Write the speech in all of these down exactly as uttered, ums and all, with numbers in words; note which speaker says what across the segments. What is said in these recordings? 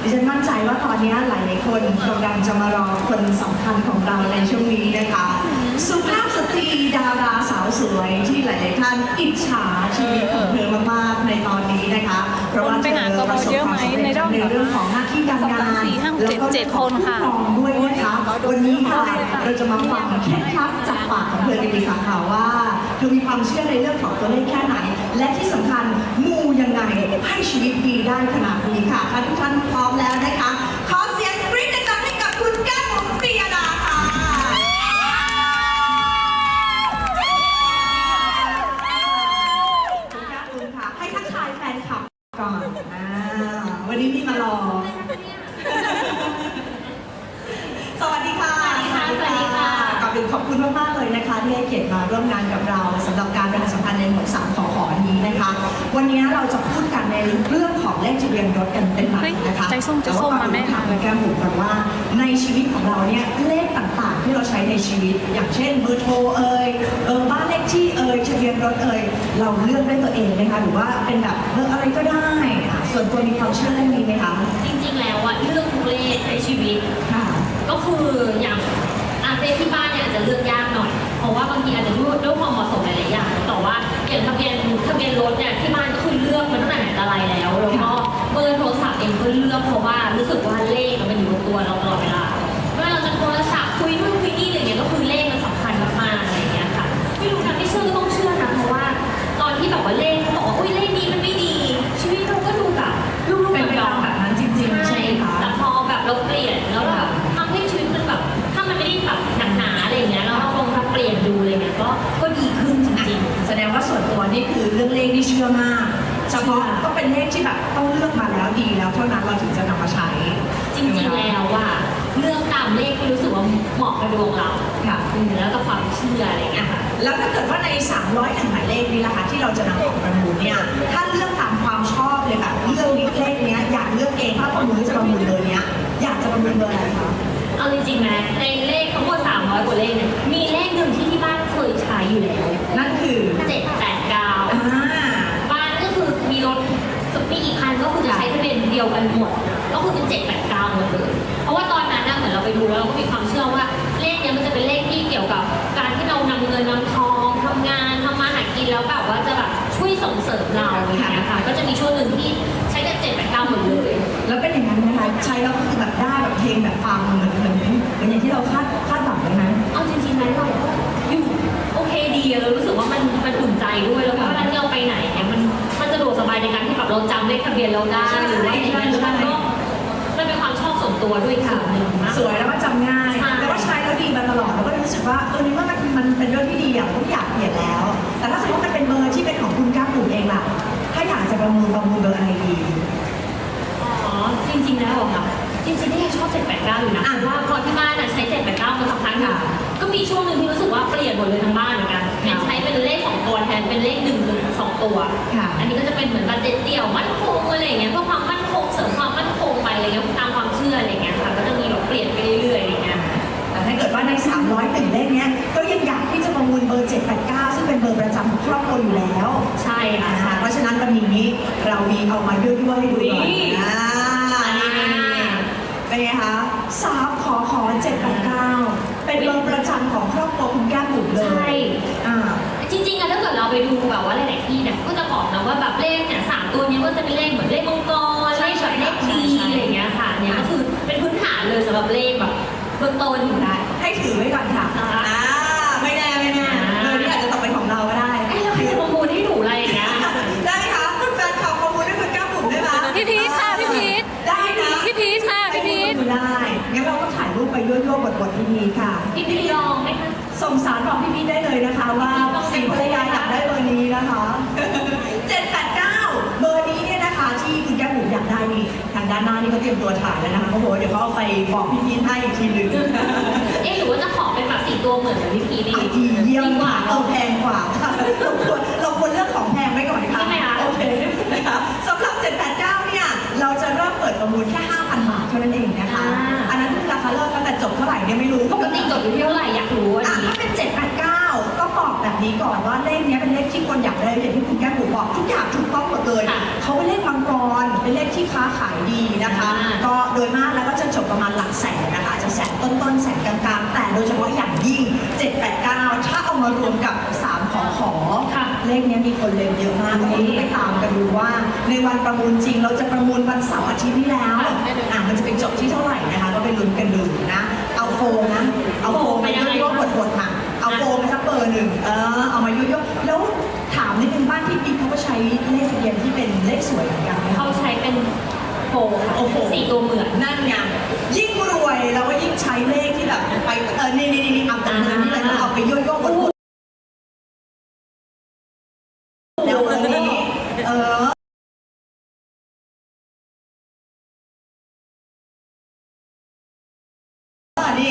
Speaker 1: ดิฉันมั่นใจว่าตอนนี้หลายๆคนกำลังจะมารอคนสำคัญของเราในช่วงนี้นะคะสุภาพสตรีดาราสาวสวยที่หลายๆท่านอิจฉาชีวิตของเธอมากๆในตอนนี้นะคะเพราะว่าเธอประสบความสำเร็จในเรื่องของหน้าที่การงานแล้วก็เรื่องของผู้ครองด้วยนะคะวันนี้ค่ะเราจะมาฟังเคล็ดลับจากปากของเธอกันดีกว่าค่ะว่าเธอมีความเชื่อในเรื่องของตัวเลขแค่ไหนและที่สำคัญมูยังไงให้ชีวิตดีได้ขนาดนี้ค่ะถ้าทุกท่านพร้อมแล้วนะคะขอเสียงกรี๊ดดังๆให้กับคุณแก้มบุ๋มปรียดาค่ะคุณแก้มบุ๋มค่ะให้ทักทายแฟนคลับก่อนอ่าวันนี้พี่มารอสวัสดีค่ะสวัสดีค่ะก่อนอื่นขอบคุณมากๆเลยนะคะที่ให้เกียรติมาร่วมงานกับเราสำหรับการประชาสัมพันธ์ในหมวดสามขอขอนี้นะคะวันนี้เราจะพูดกันในเรื่องของเลขทะเบียนรถกันเป็นหลักนะคะ
Speaker 2: ใจส้มใจส้มมาแม่
Speaker 1: ถามแก้มบุ๋มกันว่าในชีวิตของเราเนี่ยเลขต่างๆที่เราใช้ในชีวิตอย่างเช่นเบอร์โทรเอ่ยเบอร์บ้านเลขที่เอ่ยทะเบียนรถเอ่ยเราเลือกด้วยตัวเองไหมคะหรือว่าเป็นแบบเบอร์อะไรก็ได้ส่วนตัวมีความเชื่อเรื่องนี้ไหมคะ
Speaker 3: จริงๆแล้วอะเรื่องทุกเลขในชีวิต
Speaker 1: ค่ะ
Speaker 3: ก็คืออย่างอาเลขที่บ้านเนี่ยอาจจะเลือกยากหน่อยเพราะว่าบางทีอาจจะด้วยด้วยความเหมาะสมหลายๆอย่างแต่ว่าอย่างทะเบียนทะเบียนรถเนี่ยที่บ้านก็คือเลือกมาตั้งแต่ไหนแต่ไรแล้วแล้วก็เบอร์โทรศัพท์เองก็เลือกเพราะว่ารู้สึกว่าเลขมันอยู่บนตัวเราตลอดเวลาเวลาเราจะโทรศัพท์คุยนู่นคุยนี่อะไรเงี้ยก็คือเลขมันสำคัญมากๆอะไรเงี้ยค่ะไม่รู้นะไม่เชื่อก็ต้องเชื่อนะเพราะว่าตอนที่แบบว่าเลขเขาบอกว่าอุ้ยเลขนี้มันไม่ดีชีวิตเราก็ดูแบบลุ่มๆเป็นแบบนั้นจริงๆใช่ค่ะแต่พอแบบเราเปลี่ยนแล้วแบบทำให้ชีวิตมันแบบถ้ามันไม่ได้แบบหนักหนาอะไรเงี้ยแล้วเราลองทำเปลี่ยนดูอะไรเงี้ยก็ก็ดีขึ้นจริงๆ
Speaker 1: แสดงว่าส่วนตัวนี่คือเรื่องเลขที่เชื่อมากเฉพาะก็เป็นเลขที่แบบต้องเลือกมาแล้วดีแล้วเท่านั้นเราถึงจะนำมาใช้
Speaker 3: จริงๆแล้วว่าเลือกตามเลขที่รู้สึกว่าเหมาะกับดวงเราค่ะแล้วก็ความเชื่ออะไรเงี้ยค่ะ
Speaker 1: แล้วถ้าเกิดว่าในสามร้อยหนึ่งหมายเลขนี้ล่ะคะที่เราจะนำออกประมูลเนี่ยถ้าเลือกตามความชอบเลยค่ะเลือกเลขเนี้ยอยากเลือกเองถ้าประมูลจะประมูลเลยเนี้ยอยากจะประมูลเบอร์อะไรคะ
Speaker 3: เอาจริงๆนะในเลขทั้งหมดสามร้อยกว่าเลขเนี่ยมีเลขหนึ่งที่ที่บ้านเคยใช้อยู่แล้ว
Speaker 1: นั่นคือ
Speaker 3: เจ็ดแปดเก้าบ้านก็คือมีรถมีอีกคันก็คือจะใช้ทะเบียนเดียวกันหมดก็คือเป็นเจ็ดแปดเก้าหมดเลยเพราะว่าตอนนั้นนะเหมือนเราไปดูแล้วเราก็มีความเชื่อว่าเลขเนี้ยมันจะเป็นเลขที่เกี่ยวกับการที่เรานำเงินนำทองทำงานทำมาหากินแล้วแบบว่าจะแบบช่วยส่งเสริมเราอย่างเงี้ยค่ะก็จะมีช่วงหนึ่งที่ใช้กันเจ็ดแปดเก้าหมดเลย
Speaker 1: แล้วเป็นอย่างนั้นไหมคะใช้แล้วก็คือแบบได้แบบเพลงแบบฟังเหมือนเหมือนเหมือนอย่างที่เราคาดคาดหวังไว้ไหม
Speaker 3: เอาจริงๆแล้วเราอยู่โอเคดีเรารู้สึกว่ามันมันอุ่นใจด้วยแล้วก็เวลาที่เราไปไหนเนี่ยมันมันสะดวกสบายในการที่แบบเราจำเลขทะเบียนเราได้หรือว่าอย่างนั้นมันก็มันเป็นความชอบส่วนตัวด้วยค่ะ
Speaker 1: สวยแล้วก็จำง่ายแล้วก็ใช้แล้วดีมาตลอดแล้วก็รู้สึกว่าเออนี่ว่ามันมันเป็นเรื่องที่ดีอ่ะผมอยากเปลี่ยนแล้วแต่ถ้าสมมติมันเป็นเบอร์ที่เป็นของคุณก้าวปู่เองล่ะถ้าอยากจะประมูลประมูลเบอร์อะไรดี
Speaker 3: อ๋อจริงๆแล้วค่ะจริงๆที่ยังชอบเจ็ดแปดเก้าอยู่นะว่าพอที่บ้านใช้เจ็ดแปดเก้ามาสักพักค่ะก็มีช่วงหนึ่งที่รู้สึกว่าเปลี่ยนหมดเลยทั้งบ้านเหมือนกันเป็นใช้เป็นเลขสองตัวแทนเป็นเลขหนึ่งหนึ่งสองตัวอันนี้ก็จะเป็นเหมือนบัตรเดี่ยวมั่นคงอะไรอย่างเงี้ยเพื่อความมั่นคงเสริมความมั่นคงไปอะไรเงี้ยตามความเชื่ออะไรเงี้ยค่ะก็จะมีแบบเปลี่ยนไปเรื่อยๆอะไรเงี้ย
Speaker 1: แต่ถ้าเกิดว่าในสามร้อยหนึ่งเลขเนี้ยก็ยังอยากที่จะประมูลเบอร์เจ็ดแปดเก้าซึ่งเป็นเบอร์ประจำของครอบครัวอยู่แล้ว
Speaker 3: ใช่ค่ะ
Speaker 1: เพราะฉะนั้นวันนี้เรามีเอามาด้วยด้วยให้ดูหน่อยเป็นไงคะสามขอขอเจ็ดแปดเก้าเป็นเบอร์ประจำของครอบครัวคุณแก้มบุ๋มเลย
Speaker 3: ใช่จริงๆอะถ้าเกิดเราไปดูแบบว่าหลายๆที่เนี่ยก็จะบอกนะว่าแบบเลขเนี่ยสามตัวนี้ก็จะเป็นเลขเหมือนเลขมังกรเลขแบบเลขดีอะไรอย่างเงี้ยค่ะเนี่ยก็คือเป็นพื้นฐานเลยสำหรับเลขแบบเบื้องต้นอยู่ได้
Speaker 1: ให้ถือไว้ก่อนค่ะไม่แน่ไม่แน่เบอร์นี้อาจจะตกเป็นของเราก็ได้
Speaker 3: ไอ้เราใครจะประมูลให้หนูอะไรอย่างเงี้ย
Speaker 1: ได้ไหมคะคุณแฟนคลับประมูลให้คุณก้าวบุ๋มได้ไหม
Speaker 2: พี่พีทค่ะพี่พีท
Speaker 1: ได้นะ
Speaker 2: พี่พีทค่ะพี่พีท
Speaker 1: ได้งั้นเราก็ถ่ายรูปไปยั่วๆบทๆพี่พีทค่ะ
Speaker 3: พี่พีทลองไหมคะ
Speaker 1: ส่งสารบอกพี่พีทได้เลยนะคะว่าสีภรรยาอยากได้เบอร์นี้นะคะเจ็ดแปดเก้าเบอร์นี้เนี่ยนะคะที่คุณแก้มบุ๋มอยากได้นี่ทางด้านหน้านี่เขาเตรียมตัวถ่ายแล้วนะคะเขาบอกว่าเดี๋ยวเขาเอาไปบอกพี่พีทให้อีกทีหนึ่ง
Speaker 3: เอ๊ะหรือว่าจะขอเป็นแบบสี่ตัวเหมือนกับพี่พีทดี
Speaker 1: ดีเยี่ยมกว่าเราแพงกว่าค่ะเราควรเราควรเลือกของแพงไว้ก่อนค่ะ
Speaker 3: ใช่ไหมคะ
Speaker 1: โอเคนะคะสำหรับเจ็ดแปดเก้าเนี่ยเราจะเริ่มเปิดประมูลแค่ห้าพันบาทเท่านั้นเองนะคะอันนั้นคือราคาเริ่มตั้งแต่จบเท่าไหร่เนี่ยไม่รู้
Speaker 3: ปกติจบอยู่ที่เท่าไหร่อยากรู้อันนี้
Speaker 1: ถ้าเป็นเจ็ดแปดเก้าก็บอกแบบนี้ก่อนว่าเลขนี้เป็นเลขที่คนอยากได้อย่างที่คุณแก้มบุ๋มบอกทุกอย่างถูกต้องหมดเลยเขาเป็นเลขมังกรเป็นเลขที่ค้าขายดีนะคะก็โดยมากแล้วก็จะจบประมาณหลักแสนนะคะจะแสนต้นๆแสนกลางๆแต่โดยเฉพาะอย่างยิ่งเจ็ด แปด เก้าถ้าเอามารวมกับสามขอขอ
Speaker 3: ค่ะ
Speaker 1: เลขนี้มีคนเล่นเยอะมากก็ต้องไปตามกันดูว่าในวันประมูลจริงเราจะประมูลวันเสาร์อาทิตย์นี้แล้วอ่ะมันจะเป็นจบที่เท่าไหร่นะคะก็ไปลุ้นกันดูนะเอาโฟมนะเอาโฟมไปยั่วๆบดๆมาเอาโฟมไปสักเบอร์หนึ่งเออเอามายั่วๆแล้วถามนิดนึงบ้านที่ปิ๊กเขาก็ใช้เลขทะเบียนที่เป็นเลขสวยเหมือนกันไหมคะ
Speaker 3: เขาใช้เป็นโฟมค่ะ
Speaker 1: โอ้โห
Speaker 3: สี่ตัวเหมือน
Speaker 1: นั่นไงยิ่งรวยแล้วก็ยิ่งใช้เลขที่แบบไปเออนี่นี่นี่เอาแต่เงินนี่เลยนะเอาไปยั่วๆบดๆแล้วเบอร์นี้เออนี่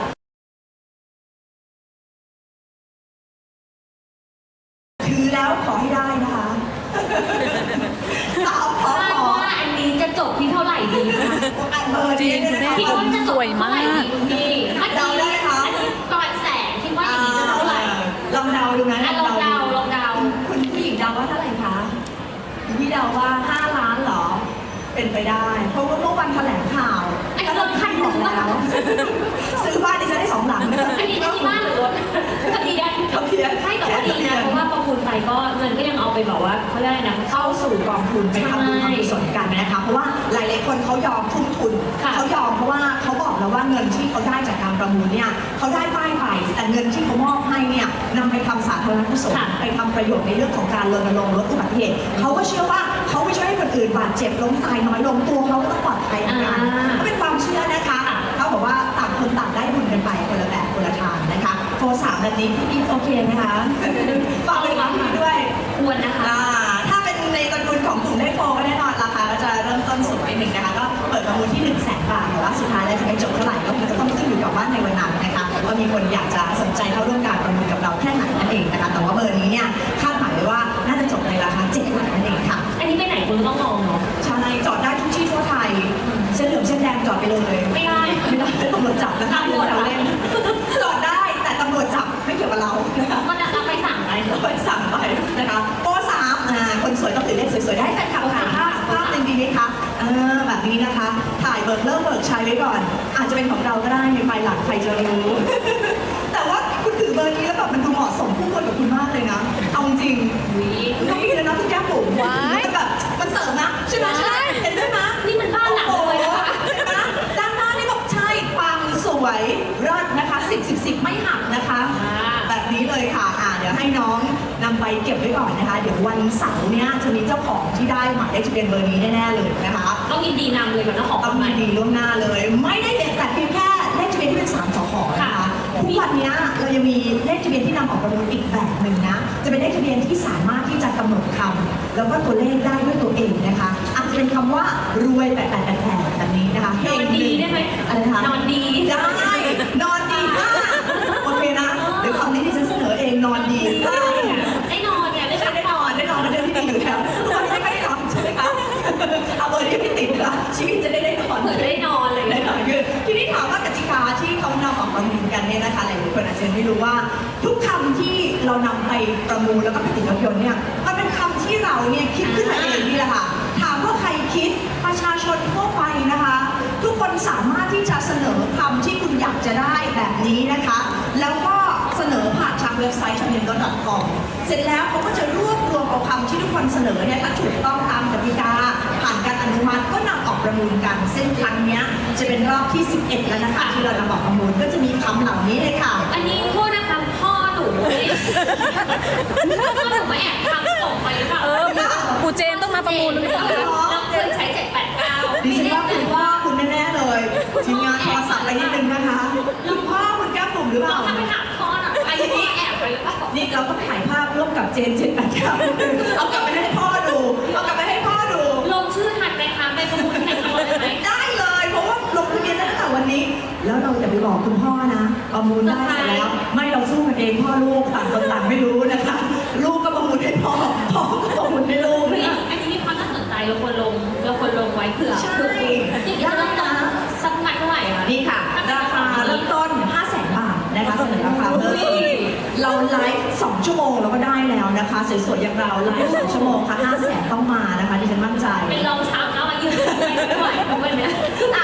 Speaker 1: ถือแล้วขอให้ได้นะคะสาวขอ
Speaker 3: คาด
Speaker 1: ขอ
Speaker 3: ว่าอันนี้จะจบที่เท่าไหร่ดีคะ
Speaker 1: อันเบอร์นี้เนี่ยนะคะ
Speaker 3: คิดว่าจะจบที่เท่าไหร่ดีคุณพี่เมื่อ
Speaker 1: เดาได้
Speaker 3: กี้
Speaker 1: ไหมคะ
Speaker 3: อันนี้ประมาณแสนคิดว่าอย่างนี้จะเท่าไหร่
Speaker 1: ลองเดาดูนะ
Speaker 3: อ่ะลองเดาลองเดา
Speaker 1: คุณผู้หญิงเดาว่าเท่าไหร่คะพี่เดาว่าห้าล้านเหรอ เป็นไปได้ เพราะว่าเมื่อวันแถลงข่าว
Speaker 3: อันนี้รถคันหนึ่ง
Speaker 1: แล้ว ซื้อบ้านดิฉันได้สองหลัง
Speaker 3: อันนี้อันนี้บ้านหรือรถทะเบียน
Speaker 1: ทะเบียน
Speaker 3: ใช่แต่ว่าดีนะเพราะว่าประมูลไปก็เงินก็ยังเอาไปแบบว่าเขาเรียกอะไรนะ
Speaker 1: เข้าสู่กองทุนไปทำบุญทำกุศลกันนะคะ เพราะว่าหลายๆคนเขายอมทุ่มทุน
Speaker 3: ค่ะ
Speaker 1: เขายอมเพราะว่าเขาบอกแล้วว่าเงินที่เขาได้จากการประมูลเนี่ยเขาได้ป้ายไปแต่เงินที่เขามอบให้เนี่ยนำไปทำสาธารณกุศล
Speaker 3: ค่ะ
Speaker 1: ไปทำประโยชน์ในเรื่องของการรณรงค์ลดอุบัติเหตุเขาก็เชื่อว่าเขาไม่ช่วยให้คนอื่นบาดเจ็บล้มตายน้อยลงตัวเขาก็ต้องปลอดภัยเหมือนกัน
Speaker 3: อ่า
Speaker 1: ก็เป็นความเชื่อนะคะเขาบอกว่าต่างคนต่างได้บุญกันไปคนละแบบคนละทางนะคะโฟร์สามแบบนี้พี่กิ๊ฟโอเคไหมคะฝากเป็นความคิดด้วย
Speaker 3: ควรนะคะ
Speaker 1: อ่าถ้าเป็นในตระกูลของกลุ่มเลขโฟก็แน่นอนราคาก็จะเริ่มต้นสูงไปหนึ่งนะคะก็เปิดประมูลที่หนึ่งแสนบาทแต่ว่าสุดท้ายแล้วจะไปจบเท่าไหร่ก็คงจะต้องขึ้นอยู่กับว่าในวันนั้นนะคะว่ามีคนอยากจะสนใจเข้าร่วมการประมูลกับเราแค่ไหนนั่นเองนะคะแต่ว่าเบอร์นี้เนี่ยคาดหมายไว้ว่าน่าจะจบในราคาเจ็ดหลักนั่นเองค่ะ
Speaker 3: อันนี้ไปไหนคุณต้องลองเนาะ
Speaker 1: ใช่จอดได้ทุกที่ทั่วไทยเส้นเหลืองเส้นแดงจอดไปเลย
Speaker 3: ไม่ได้
Speaker 1: ไม่ได้ตำรวจจับนะคะ
Speaker 3: ตำรวจเหรอ
Speaker 1: เล่นจอดได้แต่ตำรวจจับไม่เกี่ยวกับเรานะคะ
Speaker 3: มันจะไปสั่งอะไร
Speaker 1: เราไปสั่งไปนะคะโปรสามอ่าคนสวยต้องถือเลขสวยๆได้แฟนคลับถ่ายภาพภาพหนึ่งดีไหมคะเออแบบนี้นะคะ ถ่ายเบิกเริ่มเบิกใช้ไว้ก่อน อาจจะเป็นของเราก็ได้ในภายหลังใครจะรู้ แต่ว่าคุณถือเบอร์นี้แล้วแบบมันดูเหมาะสมคู่ควรกับคุณมากเลยนะ เอาจริง
Speaker 3: อุ๊ย
Speaker 1: คุณต้องมีเลยนะที่แก้มผม
Speaker 2: ว้าย
Speaker 1: มันแบบมันเสริมนะใช่ไหม
Speaker 2: ใช่
Speaker 1: เห็นด้วยไหม
Speaker 3: นี่มันบ้านหลังเลยนะคะ
Speaker 1: ใช่ไหมด้านหน้านี่บอกใช่ปังสวยเลิศนะคะสิบสิบสิบไม่หักนะคะ
Speaker 3: อ่า
Speaker 1: แบบนี้เลยค่ะอ่าเดี๋ยวให้น้องนำไปเก็บไว้ก่อนนะคะ เดี๋ยววันเสาร์เนี้ยจะมีเจ้าของที่ได้หมายเลขทะเบียนเบอร์นี้แน่ๆเลยนะคะ
Speaker 3: ต้องยินดีนำเลยกับเจ้าของ
Speaker 1: ต้อง
Speaker 3: ให
Speaker 1: มี
Speaker 3: ม่
Speaker 1: ดีล่วงหน้าเลย ไม่ได้เด็ดแต่เพียงแค่เลขทะเบียนที่เป็นสามสขนะคะ
Speaker 3: ค่ะ
Speaker 1: ทุกวันเนี้ยเรายังมีเลขทะเบียนที่นำออกประมูลอีกแบบหนึ่งนะ จะเป็นเลขทะเบียนที่สามารถที่จะกำหนดคำแล้วก็ตัวเลขได้ด้วยตัวเองนะคะ อาจจะเป็นคำว่ารวยแปดแปดแปดแปดแบบนี้นะคะ
Speaker 3: นอนดีได้ไหม
Speaker 1: อะไรนะคะ
Speaker 3: นอนดี
Speaker 1: ได้นอนดีมากโอเคนะเดี๋ยวคำนี้ที่ฉันเสนอเองนอนดีได้
Speaker 3: ได้นอนเนี่ยได้
Speaker 1: ได้
Speaker 3: พัก
Speaker 1: ได้น
Speaker 3: ผ่
Speaker 1: อ
Speaker 3: อน น
Speaker 1: ได้นอนเป็นเรื่องที่ดีอยู่แล้วทุกวันนี้ไม่ได้นอนใช่ไหมคะเอาเบอร์นี้ไม่ติดละชีวิตจะได้ได้นอน
Speaker 3: เหมือนได้นอนเลย
Speaker 1: ได้นอนคือทีนี้ถามว่ากติกาที่เขานำออกประมูลกันเนี่ยนะคะหลายๆคนอาจจะไม่รู้ว่า ทุกคำที่เรานำไปประมูลแล้วก็ไปติดรถยนต์เนี่ยมันเป็นคำที่เราเนี่ยคิดขึ้นมาเองนี่แหละค่ะถามว่าใครคิดประชาชนทั่วไปนะคะ ทุกคนสามารถที่จะเสนอคำที่คุณอยากจะได้แบบนี้นะคะ แล้วก็เสนอผ่านทางเว็บไซต์ ชาเมนดอท คอม เสร็จแล้วเขาก็จะรวบรวมเอาคำที่ทุกคนเสนอเนี่ยถ้าถูกต้องตามกติกาผ่านการอนุมัติก็นำออกประมูลกันซึ่งครั้งเนี้ยจะเป็นรอบที่สิบเอ็ดแล้วนะคะที่เรานำออกประมูลก็จะมีคำเหล่านี้เลยค่ะ
Speaker 3: อันนี้โทษนะคะพ่อหนูเนี่ยพ่อหนูมาแอบทำส่งไปหรือเปล่า
Speaker 2: เออปูเจนต้องมาประมูลหรือเปล่า
Speaker 3: เราเคยใช้เจ็ดแปดเก้า
Speaker 1: ดิฉันว่าคุณพ่อคุณแน่ๆเลยทีมงานโทรศัพท์ไปนิดนึงนะคะคุณพ่อคุณแก้มปุ่มหรือเป
Speaker 3: เรา
Speaker 1: ล่า
Speaker 3: ทำไปถามพ่อหน่อยไอ้นี่แอบไปหรือเปล่า
Speaker 1: นี่เราต้องถ่ายภาพร่วมกับเจนเจนแปดครับเอากลับไปให้พ่อดู เอากลับไปให้พ่อดู
Speaker 3: ลงชื่อทันไหมคะไปประมูลแข่งกันเลยไหม
Speaker 1: ได้เลย เพราะว่าลงทะเบียนได้ตั้งแต่วันนี้ แล้วเราจะไปบอกคุณพ่อนะ ประมูลได้เสร็จแล้ว ไม่เราสู้กันเองพ่อลูกต่างคนต่างไม่รู้นะคะ ลูกก็ประมูลให้พ่อ พ่อก็ประมูลให้ลูก
Speaker 3: เฮ้ย
Speaker 1: นะคะ
Speaker 3: อันนี้มีความน่าสนใจเราควรลงเราควรลงไว้เผื่อ
Speaker 1: ใช่
Speaker 3: เผื่ออย่างนี้จะเริ่มต้นสักประมาณเท่าไหร่คะ
Speaker 1: นี่ค่ะ ราคาเริ่มต้น ห้าแสน บาทนะคะเสนอราคาเริ่มต้นเราไลฟ์สองชั่วโมงเราก็ได้แล้วนะคะ สวยๆอย่างเราไลฟ์สองชั่วโมงค่ะ ห้าแสน ต้องมานะคะดิฉันมั่นใจ
Speaker 3: เป็นรองเช้าเช้ามายืนไม่ไหวทุกวันเนี้ย
Speaker 1: อ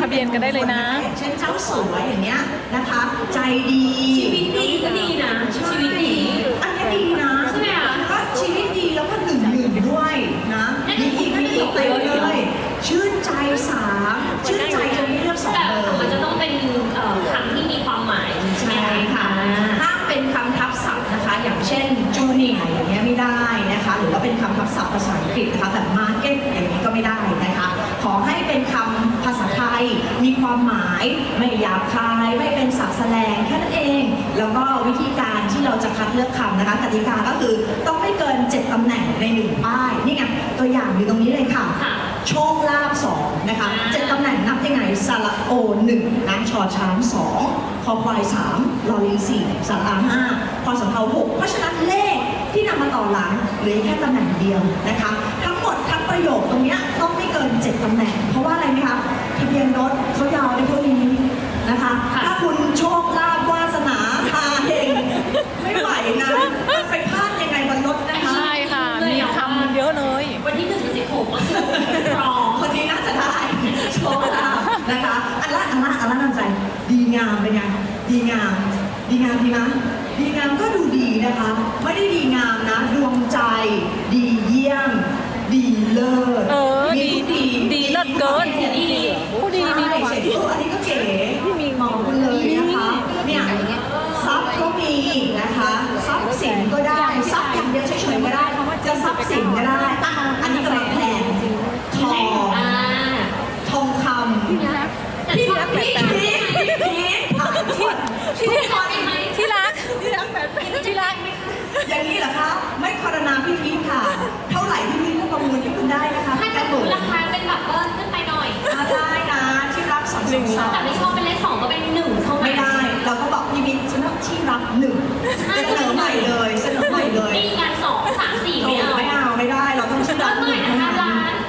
Speaker 2: ะเบียนกันได้เลยนะ
Speaker 1: อย่างเช่นเจ้าสัวอย่างเงี้ยนะคะ ใจดี
Speaker 3: ชีวิตดีก็ดีนะชีวิตดี
Speaker 1: อันนี้ดีนะ
Speaker 3: ใช่ไหมคะ
Speaker 1: ก็ชีวิตดีแล้วก็หนึ่งหนึ่งด้วยนะมีอีกมีอีกเต็มเลย ชื่นใจสามชื่นใจจนไม่เลือกสอง
Speaker 3: แต่
Speaker 1: เบอร์
Speaker 3: มันจะต้องเป็นเอ่อคำที่มีความหมายใช่ไหม
Speaker 1: ใช่ค่ะห้ามเป็นคำทับศัพท์นะคะ อย่างเช่นจูเนียร์อย่างเงี้ยไม่ได้นะคะ หรือว่าเป็นคำทับศัพท์ภาษาอังกฤษนะคะแบบมาร์เก็ตอย่างนี้ก็ไม่ได้นะคะ ขอให้เป็นคำภาษาไทย มีความหมาย ไม่หยาบคาย ไม่เป็นศัพท์แสลงแค่นั้นเอง แล้วก็วิธีการที่เราจะคัดเลือกคำนะคะกติกาก็คือต้องไม่เกินเจ็ดตำแหน่งในหนึ่งป้าย นี่ไงตัวอย่างอยู่ตรงนี้เลยค่ะ
Speaker 3: ค่ะ
Speaker 1: โชคลาภสองนะคะเจ็ดตำแหน่งนับยังไงสระโอหนึ่งนะชอช้างสองคอควายสามลอลิงสี่สระอาห้าพอสำเภาหกเพราะฉะนั้นเลขที่นำมาต่อหลังเหลือแค่ตำแหน่งเดียวนะคะ ทั้งหมดทั้งประโยคตรงเนี้ยต้องไม่เกินเจ็ดตำแหน่ง เพราะว่าอะไรไหมคะทะเบียนรถเขายาวได้เท่านี้นะคะ ถ้าคุณโชคลาภวาสนาพาเฮงไม่ไหวนะไปพลาดยังไงบนรถนะคะ
Speaker 2: ใช่ค่ะ มีคำเยอะเลย
Speaker 3: วันที่หนึ่งถึงสิบหกก็คือรอ
Speaker 1: คนนี้น่าจะได้โชคลาภนะคะอันละอันละอันละนั่นใจดีงามเป็นไงดีงาม ดีงามดีนะดีงามก็ดูดีนะคะ ไม่ได้ดีงามนะ ดวงใจ ดีเยี่ยม ดีเลิศ
Speaker 2: เออ
Speaker 1: มีทุก
Speaker 2: ดีดีเลิศเกิน
Speaker 1: ดี
Speaker 2: ผู้ดีมีประวัติ
Speaker 1: ใช่อันนี้ก็เก๋มีมองคุณเลยนะคะเนี่ยทรัพย์ก็มีนะคะทรัพย์สินก็ได้ทรัพย์อย่างเดียวเฉยๆก็ได้จะทรัพย์สินก็ได้อ่ะอันนี้กำลังแพงทอง
Speaker 3: อ่า
Speaker 1: ทองคำพี่รักพี่รักพี่พีทพี่พีทผ่านทุกคน
Speaker 2: ที่
Speaker 1: ทุกคน
Speaker 2: ที่รักที่รักที่รัก
Speaker 1: อย่างนี้เหรอคะ ไม่คารนาพี่พีทค่ะ เท่าไหร่พี่พีทก็ประมูลที่คุณได้นะคะ
Speaker 3: ถ้าจะดูราคาเป็นแบบเบิ้ลขึ้นไปหน่อย
Speaker 1: อ่าได้นะที่รักสองสองสอง
Speaker 3: แต่ไม่ชอบเป็นเลขสองก็เป็นหนึ่งเท่านั้น
Speaker 1: ไม่ได้ เราก็บอกพี่พีทฉันรักที่รักหนึ่งเสนอใหม่เลยเสนอใหม่เลย
Speaker 3: มีการสองสามสี่
Speaker 1: โอ้
Speaker 3: ไม่เอา
Speaker 1: ไม่เอาไม่ได้ เราต้องที่
Speaker 3: เริ่
Speaker 1: รั
Speaker 3: ม
Speaker 1: ก
Speaker 3: ห
Speaker 1: ห
Speaker 3: น่อ
Speaker 1: นึ่
Speaker 3: ย
Speaker 1: ง
Speaker 3: นะคะร้าน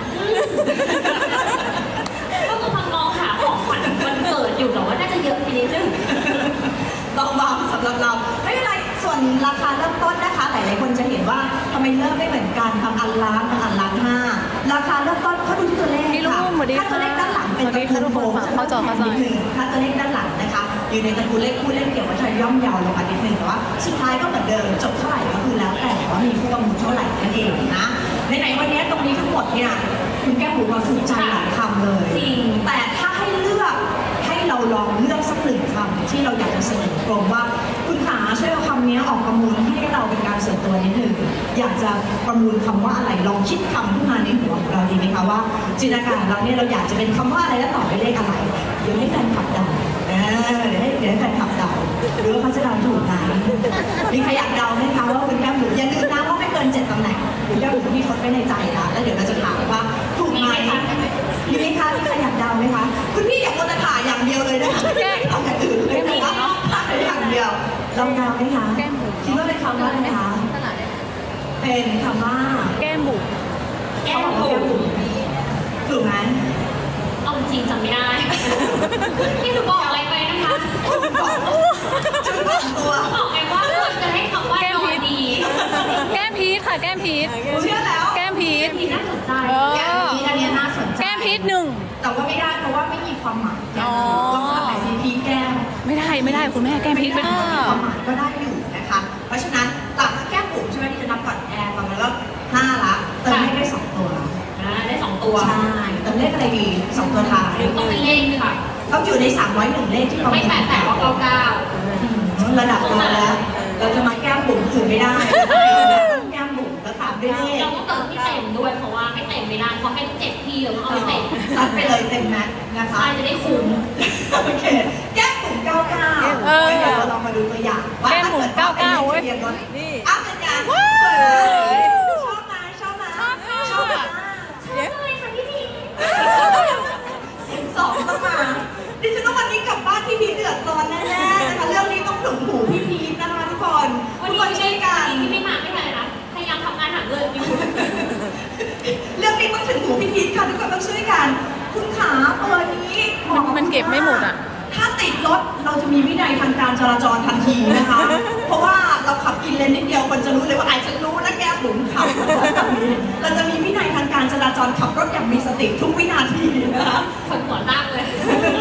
Speaker 3: ก็กำลังมองหาของขวัญวันเกิดอยู่แต่ว่าน่าจะเยอะไปนิดนึง
Speaker 1: ต้องวางสำหรับเราไม่เป็นไรส่วนราคาเริ่มต้นนะคะหลายๆคนจะเห็นว่าทำไมเริ่มไม่เหมือนกันบางอันล้านบางอันล้านห้าราคาเริ่มต้นเขาดูที่ตัวเลข
Speaker 2: พี่ลุง
Speaker 1: ค่ะ
Speaker 2: สวัสดี
Speaker 1: ถ้าตัวเลขด้านหลังเป็น
Speaker 2: สวัสดีค่ะทุกคนฝากเข้าจอเข้าใจ
Speaker 1: นิดนึงถ้าตัวเลขด้านหลังนะคะอยู่ในตระกูลเลขคู่เลขเกี่ยวกับจะย่อมเยาวลงมานิดนึงแต่ว่าสุดท้ายก็เหมือนเดิมจบเท่าไหร่ก็คือแล้วแต่ว่ามีผู้ประมูลเท่าไหร่นั่นเองนะในๆวันนี้ตรงนี้ทั้งหมดเนี่ยคุณแก้มบุ๋มมาถูกใจหลายคำเลย
Speaker 3: จริง
Speaker 1: แต่ถ้าให้เลือกให้เราลองเลือกสักหนึ่งคำที่เราอยากจะเสนอกรมว่าคุณขาช่วยเอาคำนี้ออกประมูลให้เราเป็นการส่วนตัวนิดหนึ่งอยากจะประมูลคำว่าอะไรลองคิดคำขึ้นมาในหัวของเราดีไหมคะว่าจินตนาการของเราเนี่ยเราอยากจะเป็นคำว่าอะไรและต่อไปเลขอะไรเดี๋ยวให้แฟนคลับเดาเออเดี๋ยวให้เดี๋ยวให้แฟนคลับเดาหรือว่าเขาจะเดาถูกไหมมีใครอยากเดาไหมคะว่าคุณแก้มบุ๋มอย่าลืมนะว่าไม่เกินเจ็ดตำแหน่งคุณแก้มบุ๋มมีทดไว้ในใจนะแล้วเดี๋ยวเราจะถามว่าถูกไหม มีไหมคะมีใครอยากเดาไหมคะ คุณพี่อยากโมตถ่ายอย่างเดียวเลยนะคะไม่ได้ทำอย่างอื่นเลยนะคะถ่ายอย่างเดียวลองเดาไหมคะคิดว่าเป็นคำว่าอะไรคะเป็นคำว่า
Speaker 2: แก้มบุ๋ม
Speaker 3: แก้
Speaker 1: เขา
Speaker 3: ม
Speaker 1: บอกว่า
Speaker 3: บุ๋
Speaker 1: แก้ม
Speaker 3: ม
Speaker 1: บุ๋มถูกไหม
Speaker 3: เอาจริงจำไม่ได้ที่หนูบอกอะไรไปนะคะ
Speaker 1: จุดบอกตัว
Speaker 3: บอกไงว่าควรจะให้คำว่านอนดี
Speaker 2: แก้มพีชค่ะแก้มพีช
Speaker 1: เชื่อแล้ว
Speaker 2: แก้มพีช
Speaker 3: ที่น่าสนใจ
Speaker 2: เออ
Speaker 1: แก้มพีชอันเนี้ยน่าสนใจ
Speaker 2: แก้มพีชหนึ่ง
Speaker 1: แต่ว่าไม่ได้เพราะว่าไม่มีความหมาย
Speaker 2: อ๋อ
Speaker 1: ลองทำแบบซีพีแก้ม
Speaker 2: ไม่ได้ไม่ได้คุณแม่แก้มพีชเป็น
Speaker 1: ไม่ได้ความหมายก็ได้อยู่นะคะ เพราะฉะนั้นหลังจากแก้มบุ๋มใช่ไหมที่จะนับก่อนแอร์ประมาณแล้วห้าละเติมเลขได้สองตัว
Speaker 3: อ่าได้สองตัว
Speaker 1: ใช่เติมเลขอะไรดีสองตัวท้าย
Speaker 3: หรือต้องเป็นเลขค่ะ
Speaker 1: ต้องอยู่ในสามร้อยหนึ่งเลขที่ประมู
Speaker 3: ไม่
Speaker 1: ล
Speaker 3: แปดแปดก็เก้าเก้า
Speaker 1: ระดับเราแล้ว เราจะมาแก้มบุ๋มอื่นไม่ได้แก้มบุ๋มแล้วตามด้วยเลข
Speaker 3: เราต้องเติมที่เต็มด้วยเพราะว่าไม่เต็มไม่ได้เพราะให้เจ็ดที่เราต้องเอาให้เต็ม
Speaker 1: ซัดไปเลยเต็มแม็กซ์นะคะ
Speaker 3: ใช่จะได้คุ้ม
Speaker 1: โอเคแก้มบุ๋มเก้าเก้า
Speaker 2: เออ
Speaker 1: เดี๋ยวเราลองมาดูตัวอย่างว่า
Speaker 2: แก้มบุ๋มเก้าเก้าเว้ย
Speaker 1: นี่
Speaker 2: นี่
Speaker 1: อ้าวเป็นไงสวยไหมชอบไหมชอบไหมชอบค่ะชอบไหม
Speaker 3: ใช่ค่ะพี่พี
Speaker 1: เสียงสองต้องมาดิฉันต้องวันนี้กลับบ้านพี่พีชเดือดร้อนแน่ๆนะคะเรื่องนี้ต้องถึงหูพี่พีชนะคะทุกคน
Speaker 3: วัน
Speaker 1: ทุก
Speaker 3: นี้
Speaker 1: คนช่วยกัน
Speaker 3: ที่ไม่มาไม่เป็นไรนะพยายามทำงานหาเงินอยู่
Speaker 1: เรื่องนี้ต้องถึงหูพี่พีชค่ะทุกคนต้องช่วยกัน คุณขาตัวนี้บอ
Speaker 2: มันเก็บไม่หมดอ่ะ
Speaker 1: ถ้าติดรถเราจะมีวินัยทางการจราจรทันทีนะคะ เพราะว่าเราขับกินเลนนิดเดียวคนจะรู้เลยว่าไอ้ฉันรู้นะแก้มบุ๋มขับแบบนี้เราจะมีวินัยทางการจราจรขับรถอย่างมีสติทุกวินาทีนะคะ
Speaker 3: คนหัวตั้งเลย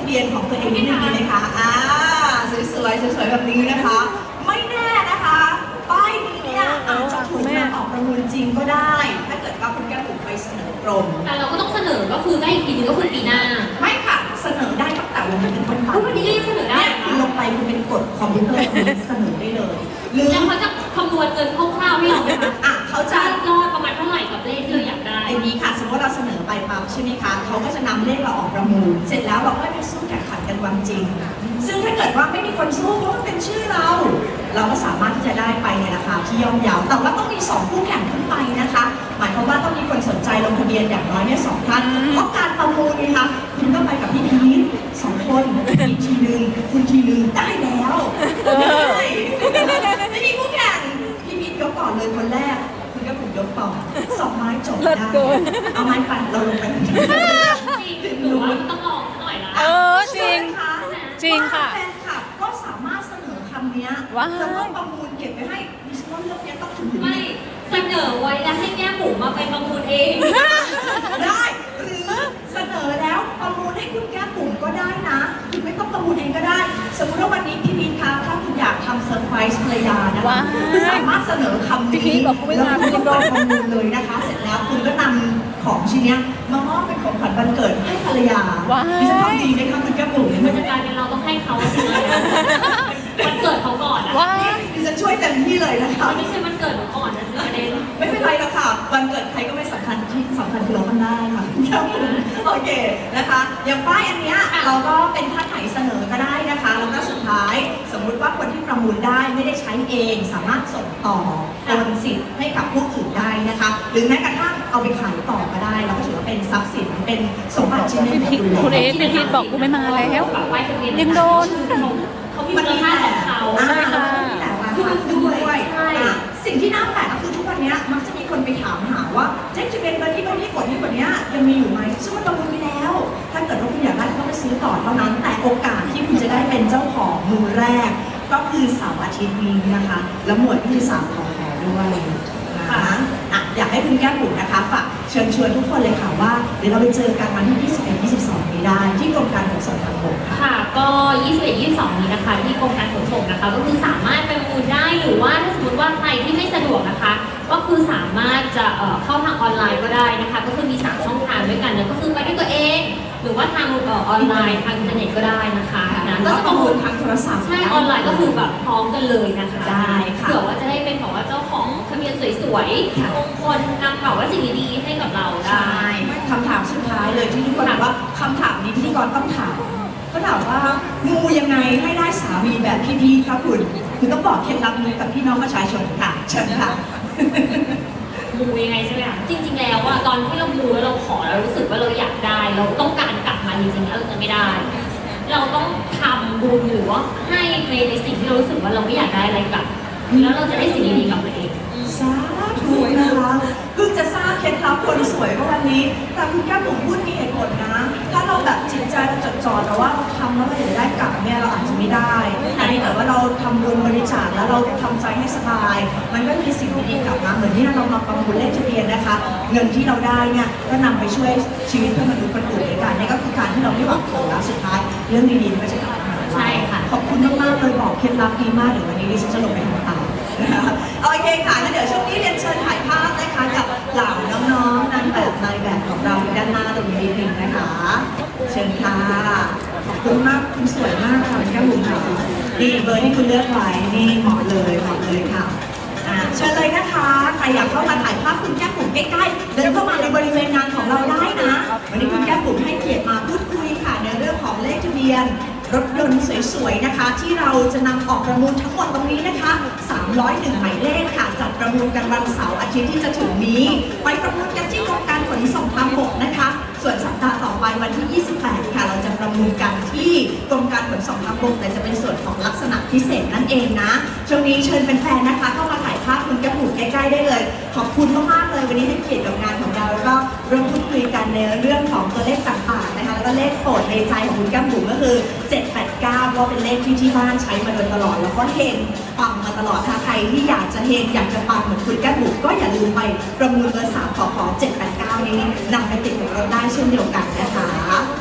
Speaker 1: บียนของตัวเองนิดนึงดีไหมคะอ่าสวยๆสวยๆแบบนี้นะคะ ไม่แน่นะคะป้ายนี้เนี่ยอาจจะถูกนำออกประมูลจริงก็ได้ ถ้าเกิดว่าคุณแก้วถูกไปเสนอกรม
Speaker 3: แต่เราก็ต้องเสนอก็คือได้อีกทีนึงก็คือปีหน้า
Speaker 1: ไม่ค่ะเสนอได้ตั้งแต่วันนี้เป็นต้นไป
Speaker 3: อุ๊ยวันนี้ก็ยังเสนอได้
Speaker 1: เนี่ยคุณลงไปคุณเป็นกฎคอมพิวเตอร์คุณเสนอได้เลยหรือ
Speaker 3: แล้วเขาจะคำนวณเงินคร่าวๆให้เราไหมคะ
Speaker 1: อ่ะเขาจะ
Speaker 3: จะยอดประมาณเท่าไหร่กับเลขที่เราอยากได้
Speaker 1: อย่างนี้ค่ะสมมติว่าเราเสนอไปปั๊บใช่ไหมคะเขาก็จะนำเลขเราออกประมูล เสร็จแล้วเราก็ไปสู้แข่งขันกันวันจริง ซึ่งถ้าเกิดว่าไม่มีคนสู้เพราะมันเป็นชื่อเรา เราก็สามารถที่จะได้ไปในราคาที่ย่อมเยาแต่ว่าต้องมีสองคู่แข่งขึ้นไปนะคะ หมายความว่าต้องมีคนสนใจลงทะเบียนอย่างน้อยเนี่ยสองท่านเพราะการประมูลนี่คะคุณก็ไปกับพี่พีทสองคนอีกทีหนึ่งคุณทีหนึ่งได้แล้วได้ไม่มีคู่แข่งพี่พีทยกก่อนเลยคนแรก คุณก็ผมยกต่อสองไม้จบได้เอาไม้ปั่นเราลงไปทันที
Speaker 3: จริงหรือว่าต้องลองหน่อยละ
Speaker 2: เออจริง จริงค่ะ
Speaker 1: แฟนคลับก็สามารถเสนอคำเนี้ย
Speaker 2: ว้าย
Speaker 1: แล้วก็ประมูลเก็บไปให้ดิฉันว่าเรื่องเนี้ยต้องถึง
Speaker 3: ไม่เสนอไว้แล้วให้แง่หมูมาไปประมูลเอง
Speaker 1: ได้หรือเสนอแล้วประมูลให้คุณแก้มบุ๋มก็ได้นะคุณไม่ต้องประมูลเองก็ได้ สมมติว่าวันนี้พี่พีทคะถ้าคุณอยากทำเซอร์ไพรส์ภรรยานะคะ
Speaker 2: ว้าย
Speaker 1: คุณสามารถเสนอคำ
Speaker 2: พี่พี
Speaker 1: นี้
Speaker 2: ทบอกกูไม่
Speaker 1: แล้ว
Speaker 2: มา
Speaker 1: คุณก็
Speaker 2: พี่
Speaker 1: ไป
Speaker 2: โดน
Speaker 1: ประมูลเลยนะคะ เสร็จแล้วคุณก็นำของชิ้นเนี้ยมามอบเป็นของขวัญวันเกิดให้ภรรยา
Speaker 2: ว้าย
Speaker 1: ดิฉันทำดีไหมคะคุณแก้มบุ๋ม
Speaker 3: มันจะกลายเป็นเราต้องให้เขาจริงเลยวันเกิดเขาก่อนอะ
Speaker 2: ว้า
Speaker 1: ดิฉันช่วยเต็มที่เลยนะคะ
Speaker 3: ไม่ใช่วันเกิดหนูก่อนนะสิประเด็น
Speaker 1: ไม่เป็นไรหรอกค่ะ วันเกิดใครก็ไม่สำคัญที่สำคัญคือเราทำได้ค่ะครับผมโอเคนะคะ อย่างป้ายอันเนี้ยเราก็เป็นท่านไหนเสนอก็ได้นะคะ แล้วก็สุดท้ายสมมุติว่าคนที่ประมูลได้ไม่ได้ใช้เอง สามารถส่งต่อโอนสิทธิ์ให้กับผู้อื่นได้นะคะ หรือแม้กระทั่งเอาไปขายต่อก็ได้เราก็ถือว่าเป็นทรัพย์สินเป็นสมบัติชิ้นหนึ่งของคุณ
Speaker 2: คุณเอฟพี่พีทบอกกูไม่มาแล้ว
Speaker 3: แบบไหว้ทะเบียน
Speaker 2: ยังโดน
Speaker 3: เขามีมูลค่าของเขา
Speaker 1: อ่า
Speaker 2: ใช่ค่ะ
Speaker 1: แต่ราคาด้วย
Speaker 3: ใช่
Speaker 1: อ่ะสิ่งที่น่าแปลกก็คือทุกวันเนี้ยมักจะมีคนไปถามหาว่าเจ๊จะเป็นเบอร์ที่เบอร์ที่กดที่กดเนี้ยยังมีอยู่ไหมซึ่งมันประมูลไปแล้ว ถ้าเกิดว่าคุณอยากได้ก็ไปซื้อต่อเท่านั้น แต่โอกาสที่คุณจะได้เป็นเจ้าของมือแรก ก็คือเสาร์อาทิตย์นี้นะคะ แล้วหมวดที่สามของแถวด้วยนะคะอ่ะอยากให้คุณแก้มบุ๋มนะคะฝากเชิญชวนทุกคนเลยค่ะว่าเดี๋ยวเราไปเจอกันวันที่ยี่สิบเอ็ด ยี่สิบสองนี้ได้ที่กรมการขนส่งทางบกค่ะ
Speaker 3: ค่ะ ก็ ยี่สิบเอ็ด ยี่สิบสอง นี้นะคะ ที่กรมการขนส่งนะคะ ก็คือสามารถไปประมูลได้ หรือว่าถ้าสมมติว่าใครที่ไม่สะดวกนะคะ ก็คือสามารถจะเอ่อเข้าทางออนไลน์ก็ได้นะคะ ก็คือมีสามช่องทางด้วยกันนะก็คือไปด้วยตัวเอง หรือว่าทางเอ่อออนไลน์ทางอินเทอร์เน็ตก็ได้นะคะนะ
Speaker 1: ก็
Speaker 3: ก็
Speaker 1: จะ
Speaker 3: จะ
Speaker 1: ป
Speaker 3: ประ ระ
Speaker 1: มู
Speaker 3: มู
Speaker 1: ล
Speaker 3: ล
Speaker 1: ทางโทรศัพท์
Speaker 3: ใช่ ออนไลน์ก็คือแบบพร้อมกันเลยนะคะ
Speaker 1: ได้ค่ะ
Speaker 3: เผื่อว่าจะได้เป็นแบบว่าเจ้าของทะเบียนสวยๆมงคลนำแบบว่าสิ่งดีๆให้กับเราได้
Speaker 1: ใช่คำถามสุดท้ายเลยที่ทุกคนถามว่าคำถามนี้พิธีกรต้องถามก็ถามว่ามูยังไงให้ได้สามีแบบพี่พีคะคุณคุณต้องบอกเคล็ดลับนี้กับพี่น้องประชาชนค่ะเชิญค่ะ
Speaker 3: มูยังไงใช่ไหมคะจริง ๆ แล้วอะตอนที่เรามูแล้วเราขอเรารู้สึกว่าเราอยากได้ เราต้องการกลับมาจริงๆแล้วเราจะไม่ได้ เราต้องทำบุญหรือว่าให้ในในสิ่งที่เรารู้สึกว่าเราไม่อยากได้อะไรกลับแล้วเราจะได้สิ่งดีๆกลับมาเอง
Speaker 1: สาธุนะคะเพิ่งจะทราบเคล็ดลับคนสวยเมื่อวันนี้ แต่คุณแก้มผมพูดมีเหตุผลนะ ถ้าเราแบบจิตใจเราจดจ่อแต่ว่าเราทำแล้วเราอยากได้กลับเนี่ยเราอาจจะไม่ได้แต่ถ้าเกิดว่าเราทำบุญบริจาคแล้วเราทำใจให้สบาย มันก็มีสิ่งดีๆกลับมาเหมือนที่เรามาประมูลเลขทะเบียนนะคะ เงินที่เราได้เนี่ยก็นำไปช่วยชีวิตเพื่อนมนุษย์คนอื่นด้วยกันนี่ก็คือการที่เราไม่หวังผลแล้วสุดท้ายเรื่องดีๆมันก็จะกลับมาหาเรา
Speaker 3: ใช่ค่ะ
Speaker 1: ขอบคุณมากๆเลยบอกเคล็ดลับดีมากเดี๋ยววันนี้ดิฉันจะลงไปทำตามนะคะโอเคค่ะแล้วเดี๋ยวช่วงนี้เรียนเชิญถ่ายภาพนะคะกับเหล่าน้องๆนางแบบนายแบบของเราด้านหน้าตรงนี้นิดนึงนะคะ เชิญค่ะขอบคุณมากคุณสวยมากค่ะคุณแก้มบุ๋มค่ะนี่เบอร์ที่คุณเลือกไว้นี่เหมาะเลยเหมาะเลยค่ะอ่าเชิญเลยนะคะใครอยากเข้ามาถ่ายภาพคุณแก้มบุ๋มใกล้ๆเดินเข้ามาในบริเวณงานของเราได้นะวันนี้คุณแก้มบุ๋มให้เกียรติมาพูดคุยค่ะในเรื่องของเลขทะเบียน รถยนต์สวยๆนะคะ ที่เราจะนำออกประมูลทั้งหมดตรงนี้นะคะสามร้อยเอ็ดหมายเลขค่ะจัดประมูลกันวันเสาร์อาทิตย์ที่จะถึงนี้ ไปประมูลกันที่กรมการขนส่งทางบกนะคะ ส่วนสัปดาห์ต่อไปวันที่ ยี่สิบแปด ค่ะ เราจะประมูลกันที่กรมการขนส่งทางบกแต่จะเป็นส่วนของลักษณะพิเศษนั่นเองนะช่วงนี้เชิญเป็นแฟนๆนะคะ เข้ามาถ่ายภาพคุณแก้มบุ๋มใกล้ๆได้เลย ขอบคุณมากๆเลยวันนี้ให้เกียรติกับงานของเราแล้วก็ร่วมพูดคุยกันในเรื่องของตัวเลขต่างๆนะคะแล้วก็เลขโปรดในใจของคุณแก้มบุ๋มก็คือเจ็ดแปดเก้าก็เป็นเลขที่ที่บ้านใช้มาโดยตลอดแล้วก็เฮงปังมาตลอดถ้าใครที่อยากจะเฮงอยากจะปังเหมือนคุณแก้มบุ๋มก็อย่าลืมไปประมูลเบอร์สามขอขอเจ็ดแปดเก้านี้นำไปติดกับเราได้เช่นเดียวกันนะคะขอบ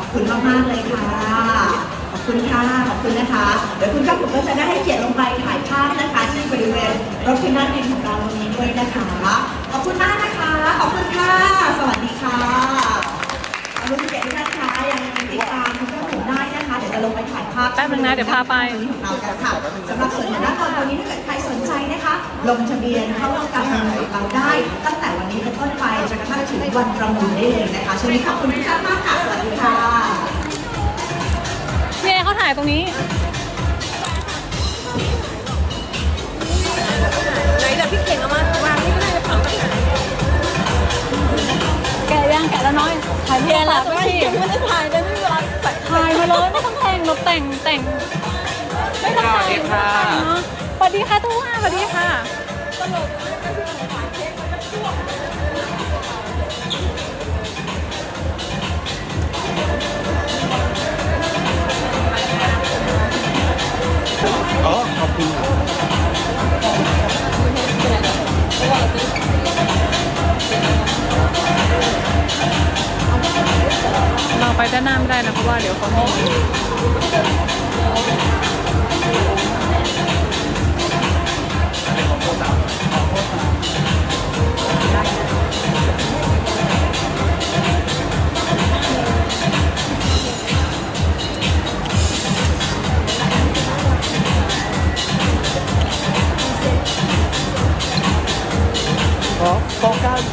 Speaker 1: คุณมากๆเลยค่ะ ขอบคุณค่ะ ขอบคุณนะคะ เดี๋ยวคุณก้าวผมก็จะได้ให้เกียรติลงไปถ่ายภาพนะคะที่บริเวณรถพินาศดินของเราตรงนี้ด้วยนะคะ ขอบคุณมากนะคะ ขอบคุณค่ะ สวัสดีค่ะขอบคุณเกียรติทุกท่านคะยังติดตามคุณก้าวผมได้นะคะ เดี๋ยวจะลงไปถ่ายภาพ
Speaker 2: แป๊บนึงนะเดี๋ยวพาไป
Speaker 1: ของเรากันค่ะสำหรับส่วนของด้านตอนนี้ถ้าเกิดใครสนใจนะคะ ลงทะเบียนเข้าร่วมการแข่งขันเราได้ ตั้งแต่วันนี้เป็นต้นไปจนกระทั่งถึงวันประมูลได้เลยนะคะช่วงนี้ขอบคุณทุกท่านมากค่ะ สวัสดีค่ะ
Speaker 2: เนี่ยเขาถ่ายตรงนี้
Speaker 4: ไหนเดี๋ยวพี่เข่งเอามาวางนี่ก็ได้จะเผาไปไหน
Speaker 2: แกะย่างแกะแล้วน้อย ถ่ายเพียแล้ว
Speaker 4: ไม่
Speaker 2: ไม่
Speaker 4: ได้
Speaker 2: พี่
Speaker 4: ไม่ได้ถ่ายเลยไม่มีเวลาใส่
Speaker 2: ถ่ายมาเลยไม่ต้องแต่งเราแต่งแต่ง ไม่ต้องแต่งไม่ต้องแต่งเนาะสวัสดีค่ะทุกท่านสวัสดีค่ะ
Speaker 5: อ๋อ ขอบคุณครับ
Speaker 2: เราไปด้านหน้าไม่ได้นะเพราะว่าเดี๋ยวเขาให้
Speaker 5: อ๋อโฟกัส